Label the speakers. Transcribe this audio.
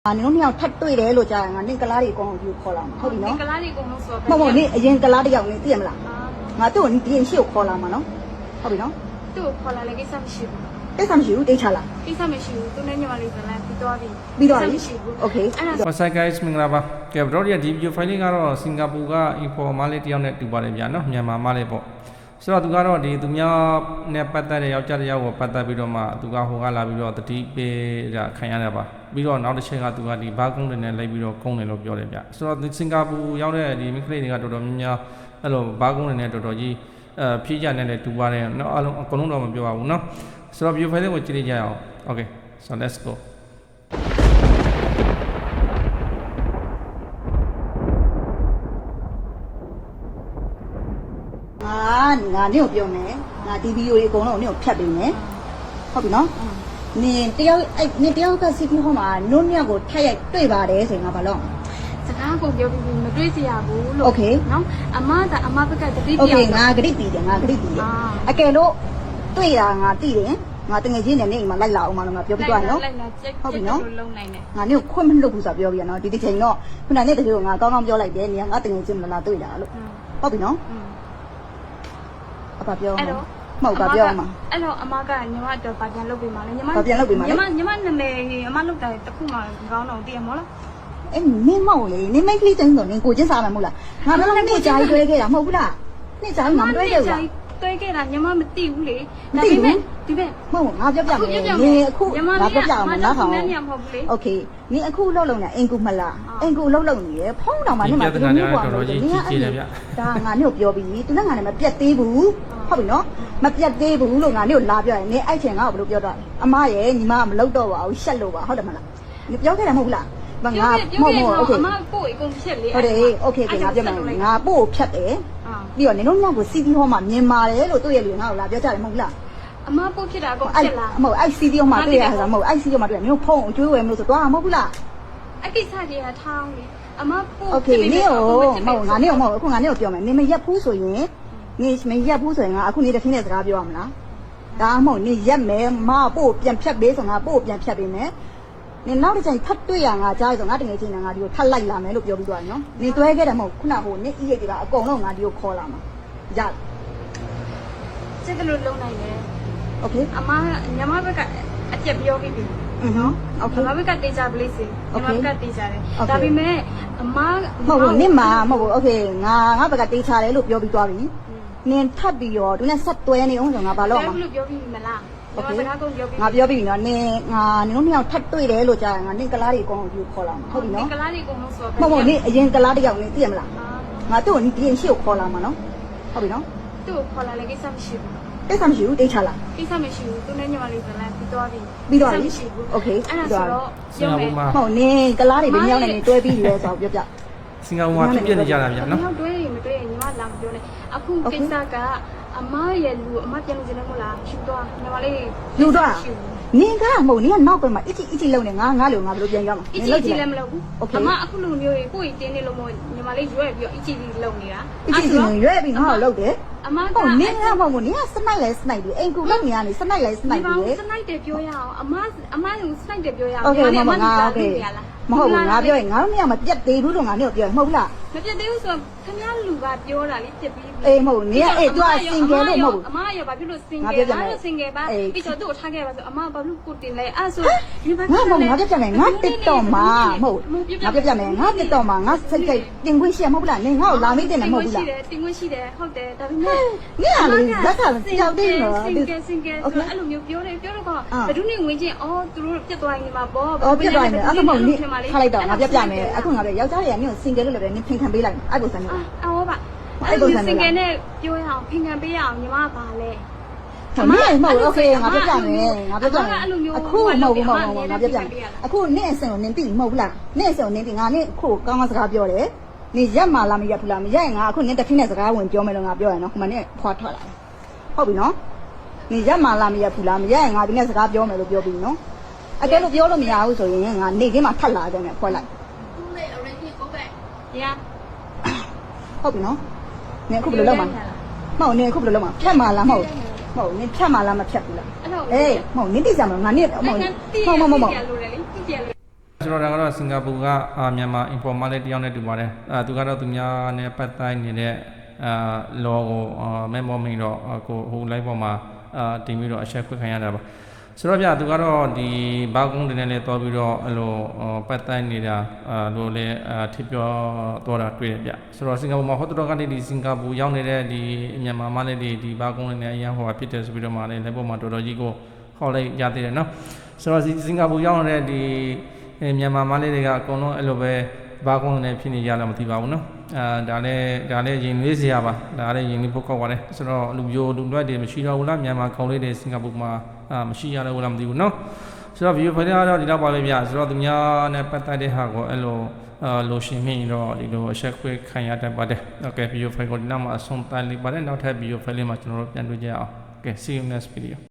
Speaker 1: 你弄鸟太对了，罗家人啊，你格拉里讲就考了嘛，好比喏。
Speaker 2: 格拉里公路说。
Speaker 1: 冇你人格拉里样你点啦？我都你点少考了嘛喏，好比喏。
Speaker 2: 都考了那个什么书？
Speaker 1: 这什么书？对查啦？
Speaker 2: 这什么书？都那你话里头啦，比多啲。
Speaker 1: 比多啲。OK。
Speaker 3: What's up guys မင်္ဂလာပါကဲဗရောဒီဒီဗီဒီယိုဖိုင်လေးကတော့စင်ကာပူကအင်ဖော်မာလေးတယောက်နဲ့တူပါတယ်ဗျာနော်မြန်မာမားလေးပေါ့ဆိုတော့သူကတော့ဒီသူများနဲ့ပတ်သက်တဲ့ယောက်ျားတစ်ယောက်ကိုပတ်သက်ပြီးတော့မှသူကဟိုကလာပြီးတော့တတိပေးတာခံရတယ်ပါပြီးတော့နောက်တစ်ချက်ကသူကဒီဘာကုန်းတွေနဲ့လိုက်ပြီးတော့ကုန်းတယ်လို့ပြောတယ်ဗျဆိုတော့စင်ကာပူရောက်တဲ့ဒီမိန်းကလေးတွေကတော်တော်များများအဲ့လိုဘာကုန်းတွေနဲ့တော်တော်ကြီးဖြည့်ကြနဲ့လည်းတူပါတယ်နော်အားလုံးအကုန်လုံးတော့မပြောပါဘူးနော်ဆိုတော့ဗီဒီယိုဖိုင်လေးကိုကြည့်လိုက်ကြရအောင် Okay so let's go
Speaker 1: ငါနေကိုပြောမယ်ငါဒီဗီဒီယိုလေးအကုန်လုံးနေကိုဖြတ်ပေးမယ်ဟုတ်ပြီနော်နင်တယောက်အဲ့နင်တယောက်ကစီးပြီးဟောမှာနုံမြောက်ကိုထက်ရိုက်တွေ့ပါတယ်ဆိုရင်ငါဘာလို့
Speaker 2: စကားကိုပြောပြီးမတွေ့စီရဘူးလို့
Speaker 1: Okay
Speaker 2: နော်အမဘက်ကတတိပြော
Speaker 1: Okay ငါဂရိတ်တည်တယ်ငါဂရိတ်တည်တယ်အကယ်လို့တွေ့တာငါတည်တယ်ငါတငယ်ချင်းနဲ့နေအိမ်မှာလိုက်လာအောင်မလို့ငါပြောပြသွားနော်
Speaker 2: ဟုတ်ပြီနော်လုံးနိုင်တယ်
Speaker 1: ငါနေကိုခွင့်မလွတ်ဘူးဆိုပြောပြရနော်ဒီတစ်ချိန်တော့ခုနနဲ့တကယ်ကိုငါကောင်းကောင်းပြောလိုက်တယ်နေငါတငယ်ချင်းမလာတွေ့တာလို့ဟုတ်ပြီနော်အဖပြောအဲ့တော့မဟုတ်ပါပြောမှာ
Speaker 2: အဲ့တော့အမကညီမအတွက်ပါပြန်လုပ်ပေးမှာလေညီမ
Speaker 1: ပြန်လုပ်ပေးမှာ
Speaker 2: ညီမနာမည်အမလုပ်တာတခုမှကောင်းတော့တည်ရမလား
Speaker 1: အဲ့နင်းမောက်လေနင်းမိတ်ကလေးတိုင်းဆိုနင်းကိုချင်းစားမှာမဟုတ်လားငါတော့နေ့ကြာကြီးတွဲခဲ့တာမဟုတ်ဘူးလားနေ့ကြာကြီးငါမတွဲခဲ့ဘူးလား
Speaker 2: တွဲခဲ့တာညီမမသိဘူးလေဒါပေမဲ့ဒီဘက်
Speaker 1: မဟုတ်ငါပြောပြမယ်နင်းအခုငါပြောပြအောင်နားထောင်โอเคနင်းအခုလှုပ်နေအင်ကူမလားအင်ကူလှုပ်နေရဖုံးတော်မှာနင်းမှာ
Speaker 3: တော်တော်ကြီးကြီးတယ်ဗျ
Speaker 1: ဒါငါနင်းကိုပြောပြီးသူနဲ့ငါနဲ့မပြတ်သေးဘူးဟုတ်ပြီနော်မပြတ်သေးဘူးလို့ငါနင်းကိုလာပြောရင်နင်းအဲ့ချိန်ငါ့ကိုဘယ်လိုပြောတော့အမရဲ့ညီမကမလှုပ်တော့ပါဘူးရှက်လို့ပါဟုတ်တယ်မလားနင်းပြောခဲ့တာမဟုတ်လားငါမဟုတ်โอเค
Speaker 2: အမပို့အကုန်ဖြတ်လေ
Speaker 1: ဟုတ်တယ်โอเคငါပြောမယ်ငါပို့ဖြတ်တယ်ပြီးတော့နင်တို့မြောက်ကိုစီးပြီးဟောမှာမြင်ပါတယ်လို့တွေ့ရလူငါ့ကိုလာပြောကြတယ်မဟုတ်လား
Speaker 2: အမပို့ဖြစ်တာအကုန်ဖြတ်လား
Speaker 1: မဟုတ်အဲ့စီးပြီးဟောမှာတွေ့ရတာမဟုတ်အဲ့စီးဟောမှာတွေ့ရနင်တို့ဖုန်းအကျွေးဝယ်မလို့ဆိုတော့မဟုတ်ဘူးလား
Speaker 2: အကိစ္စကြီးကထောင်းလေအမပို့
Speaker 1: โอเคနင်ကိုမဟုတ်ငါနင်ကိုမဟုတ်အခုငါနင်ကိုပြောမယ်နင်မရက်ဘူးဆိုရင်နင်မရက်ဘူးဆိုရင်ငါအခုနေတစ်ခင်းနဲ့စကားပြောရမလားဒါမှမဟုတ်နင်ရက်မယ်မပို့ပြန်ဖြတ်ပေးဆိုငါပို့ပြန်ဖြတ်ပေးမယ်နင်နောက်တစ်ချိန်ဖတ်တွေ့ရငါကြားရဆိုငါတကယ်ချင်းငါဒီကိုထပ်လိုက်လာမယ်လို့ပြောပြီးသွားတယ်နော်နင်တွဲခဲ့တယ်မဟုတ်ခုနကဟိုနင်ဤရိတ်တွေကအကုန်လုံးငါဒီကိုခေါ်လာမှာရတယ်
Speaker 2: စိတ်ကလေးလုံးနိုင်တယ်
Speaker 1: โอเค
Speaker 2: အမညီမဘက်ကအပြက်ပြောပြီးပြီ
Speaker 1: နော်โอเค
Speaker 2: ညီမဘက်ကတေးကြပလိစေညီမဘက်ကတေးကြတယ်ဒါပေမဲ့အမ
Speaker 1: မဟုတ်ဘူးနင်မဟုတ်ဘူးโอเคငါဘက်ကတေးချတယ်လို့ပြောပြီးသွားပြီနင်ထပ်ပြီးတော့သူနဲ့ဆက်တွဲနေအောင်ဆိုငါဘာလို့
Speaker 2: မှာလို့ပြောပြီးမလား
Speaker 1: โอเคငါပြောပြီးနော်နင်တို့မြောက်ထပ်တွေ့တယ်လို့ကြားရင်ငါနင်ကလားတွေအကုန်ယူခေါ်လာမှာဟုတ်ပြီနော်
Speaker 2: ကလားတွေအကုန်လုံးဆို
Speaker 1: ဟုတ်နင်အရင်ကလားတယောက်နင်သိရမလားငါတို့နင်ဒီရင်ရှိကိုခေါ်လာမှာနော်ဟုတ်ပြီနော်
Speaker 2: သူ့ကိုခေါ်လာလေကိစ္စမရှိဘူး
Speaker 1: ကိစ္စမရှိဘူးတေးချလား
Speaker 2: ကိစ္စမရှိဘူးသူနဲ့ညီမလေးကလည်းပြီးသွားပြီ
Speaker 1: ပြီးသွားပြီโอเค
Speaker 2: အဲ့ဒါဆိုတော့
Speaker 3: ရုံးမယ်
Speaker 1: ဟုတ်နင်ကလားတွေဘယ်မြောက်နေတွဲပြီးလဲဆိုတော့ပြောပြ
Speaker 3: စင်ကာပူမှာပြည့်နေကြတာဗျာနော်
Speaker 2: တွဲရင်မတွဲရင်ညီမလာမပြောနဲ့အခုကိစ္စကအမရဲ့လူအမပြန်လို့ကျနေမို့လားဖြူသွားညီမလေး
Speaker 1: ယူသွားနင်ကမဟုတ်နင်ကနောက်ပဲမှာအစ်ချီလုံးနေငါလိုငါဘယ်လိုပြန်ရမှာ
Speaker 2: အစ်ချီလည်းမလုပ်ဘူးအမအခုလိုမျိုးကိုယ်တင်းနေလို့မို့ညီမလေးရွဲ့ပြီးတော့အစ်ချီလုံးနေတာ
Speaker 1: အစ်ချီရွဲ့ပြီးငါ့ကိုလုပ်တယ်
Speaker 2: အမက
Speaker 1: ဟုတ်နင်ကမဟုတ်နင်ကစနိုက်လဲစနိုက်ပြီးအိမ်ကူလောက်နေရနေစနိုက်လဲစနိုက်ပြီး
Speaker 2: စနိုက်တယ်ပြောရအောင်အမကစနိုက်တယ်ပြောရအောင်
Speaker 1: โอเคမမငါโอเคမဟုတ်ဘူးငါပြောရင်ငါတို့မရမပြတ်သေးဘူးလို့ငါနဲ့ပြောရင်မဟုတ်လား
Speaker 2: မပြတ်သေးဘူးဆိုခင်ဗျားလူကပြောတာလေပြစ်ပြီး
Speaker 1: အေးမဟုတ်နင်ကအေးသူကစင်ကယ်လို့မဟုတ်ဘူး
Speaker 2: အမကဘာဖြစ်လို့စင်ကယ်လဲစင်ကယ်ပါပြီးတော့သူ့ကိုထားခဲ့ပါဆိုအမဘာလို့ကိုတင်လဲအဲ့ဆို
Speaker 1: ဒီဘာငါမဟုတ်ငါပြပြမယ်ငါတစ်တော့မှာမဟုတ်ငါပြပြမယ်ငါတစ်တော့မှာငါစိတ်ကြိုက်တင်ခွင့်ရှိရမဟုတ်လားနင်ငါ့ကိုလာမေးတင်တယ်မဟုတ်ဘူးလား
Speaker 2: တင်ခွင့်ရှိတယ်ဟုတ်တယ်ဒါပေမဲ့
Speaker 1: နင်ကလေဇက်ကကြောက်တယ်နော်
Speaker 2: စင်ကယ်ဆိုအဲ့လိုမျိုးပြောတယ်ပြောတော့ဘယ်သူနေဝင်ချင်းအော်သူတို့ပြတ်သွားနေမှာပေါ့
Speaker 1: ပြတ်သွားနေအဲ့ဒါမဟုတ်နင်ထားလိုက်တော့ငါပြပြမယ်အခုငါပြယောက်ျားတွေကနင်ကိုစင်ကယ်လို့လည်းနင်ဖင်ခံပေးလိုက်အဲ့ပုံစံမျိုး
Speaker 2: အော်ပါအဲ့လိုစင်ကယ်နဲ့ပြောရအောင်ဖင်ခံပေးရအောင်ညီမကပါလဲ
Speaker 1: မမဟုတ်โอเคငါပြပြမယ်ငါပြပြမယ်အခုမဟုတ်ဘူးမဟုတ်ဘူးငါပြပြမယ်အခုနင့်အစင်ကိုနင်သိမဟုတ်ဘူးလားနင့်အစင်ကိုနင်သိငါနင့်အခုကောင်းကောင်းစကားပြောတယ်နင်ရက်မှလားမရက်ဘူးလားမရက်ရင်ငါအခုနင်တစ်ထင်းနဲ့စကားဝင်ပြောမယ်လို့ငါပြောရနော်ခုမှနင့်ဖွာထွက်လာဟုတ်ပြီနော်နင်ရက်မှလားမရက်ဘူးလားမရက်ရင်ငါဒီနဲ့စကားပြောမယ်လို့ပြောပြီးနော်အကယ်လို့ပြောလို့မရဘူးဆိုရင်ငါနေခင်းမှာထပ်လာကြမယ်ဖွက်လိုက်ဟုတ်ပြီနော်နင်အခုဘယ်လိုလုပ်မှာမဟုတ်နင်အခုဘယ်လိုလုပ်မှာဖြတ်မှာလားမဟုတ်ဟုတ်နင်ဖြတ်မှာလားမဖြတ်ဘူးလားအေးမဟုတ်နင်သိကြမှာငါနင်မဟုတ်
Speaker 3: ဆိုတော့ဒါကတော့စင်ကာပူကမြန်မာ informal လေးတယောက်နဲ့တူပါတယ်သူကတော့သူများနဲ့ပတ်သက်နေတဲ့လောကိုမဲမောမိန်တော့ကိုဟို live ပေါ်မှာတင်ပြီးတော့အချက်ခွင့်ခံရတာပါဆိုတော့ဗျသူကတော့ဒီဘာကုန်းတင်နဲ့လည်းတော်ပြီးတော့အဲ့လိုပတ်သက်နေတာလို့လည်းထိပြောတော့တာတွေ့တယ်ဗျဆိုတော့စင်ကာပူမှာဟိုတော်ကနေဒီစင်ကာပူရောက်နေတဲ့ဒီမြန်မာမလေးတွေဒီဘာကုန်းတွေနဲ့အရင်ဟိုဖြစ်တယ်ဆိုပြီးတော့မှလည်း live ပေါ်မှာတော်တော်ကြီးကိုဟောလိုက်ရသေးတယ်နော်ဆိုတော့စင်ကာပူရောက်နေတဲ့ဒီမြန်မာမလေးတွေကအကုန်လုံးအဲ့လိုပဲဘာကုန်းနဲ့ဖြစ်နေကြလားမသိပါဘူးနော်ဒါလည်းရင်နွေးစရာပါဒါလည်းရင်နွေးဖို့ကောက်ပါတယ်ဆိုတော့လူမျိုးလူလွတ်တွေမရှိတော့ဘူးလားမြန်မာခေါင်းလေးတွေစင်ကာပူမှာမရှိရတော့ဘူးလားမသိဘူးနော်ဆိုတော့ view ဖိုင်ကတော့ဒီတော့ပါပဲဗျဆိုတော့သူများနဲ့ပတ်သက်တဲ့ဟာကိုအဲ့လိုလိုရှင်မိတော့ဒီလိုအချက်ခွဲခံရတတ်ပါတယ် okay view ဖိုင်ကိုဒီနောက်မှာအဆုံးသတ်လိုက်ပါတယ်နောက်ထပ် view ဖိုင်လေးမှာကျွန်တော်တို့ပြန်တွေ့ကြအောင် okay see you next video